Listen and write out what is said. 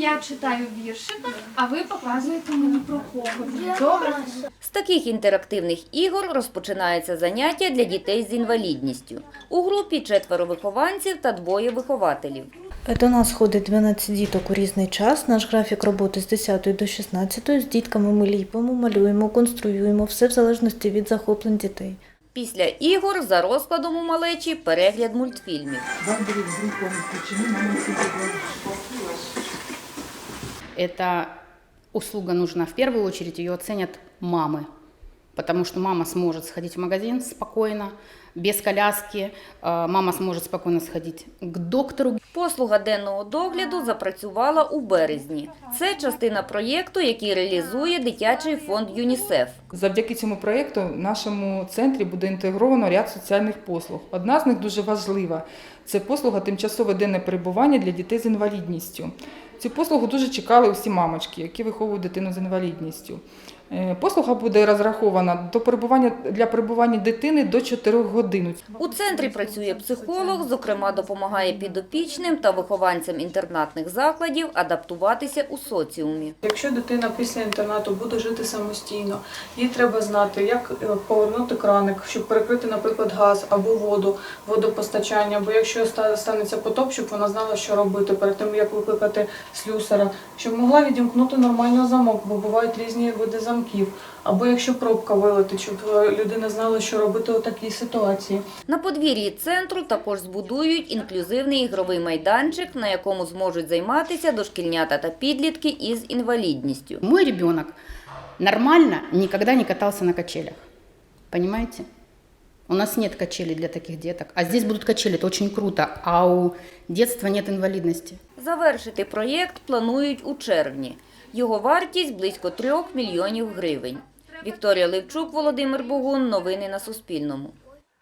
я читаю віршика, а ви показуєте мені про кого. Добре? З таких інтерактивних ігор розпочинається заняття для дітей з інвалідністю. У групі 4 вихованців та 2 вихователів. До нас ходить 12 діток у різний час. Наш графік роботи з 10 до 16. З дітками ми ліпимо, малюємо, конструюємо, все в залежності від захоплень дітей. Після ігор за розкладом у малечі перегляд мультфільмів. Эта услуга нужна в первую очередь, ее оценят мамы, потому что мама сможет сходить в магазин спокойно, без коляски, мама сможет спокойно сходить к доктору. Послуга денного догляду запрацювала у березні. Це частина проєкту, який реалізує дитячий фонд ЮНІСЕФ. Завдяки цьому проєкту в нашому центрі буде інтегровано ряд соціальних послуг. Одна з них дуже важлива – це послуга тимчасове денне перебування для дітей з інвалідністю. Цю послугу дуже чекали усі мамочки, які виховують дитину з інвалідністю. Послуга буде розрахована для перебування дитини до 4 годин. У центрі працює психолог, зокрема допомагає підопічним та вихованцям інтернатних закладів адаптуватися у соціумі. Якщо дитина після інтернату буде жити самостійно, їй треба знати, як повернути краник, щоб перекрити, наприклад, газ або воду, водопостачання, бо якщо станеться потоп, щоб вона знала, що робити перед тим, як викликати слюсара, щоб могла відімкнути нормально замок, бо бувають різні види замків. Або якщо пробка вилетить, щоб людина знала, що робити у такій ситуації. На подвір'ї центру також збудують інклюзивний ігровий майданчик, на якому зможуть займатися дошкільнята та підлітки із інвалідністю. Мой ребенок нормально никогда не катался на качелях, понимаете? У нас нет качелей для таких деток, а здесь будут качели, это очень круто, а у детства нет инвалидности. Завершити проєкт планують у червні. Його вартість – близько 3 мільйонів гривень. Вікторія Левчук, Володимир Богун. Новини на Суспільному.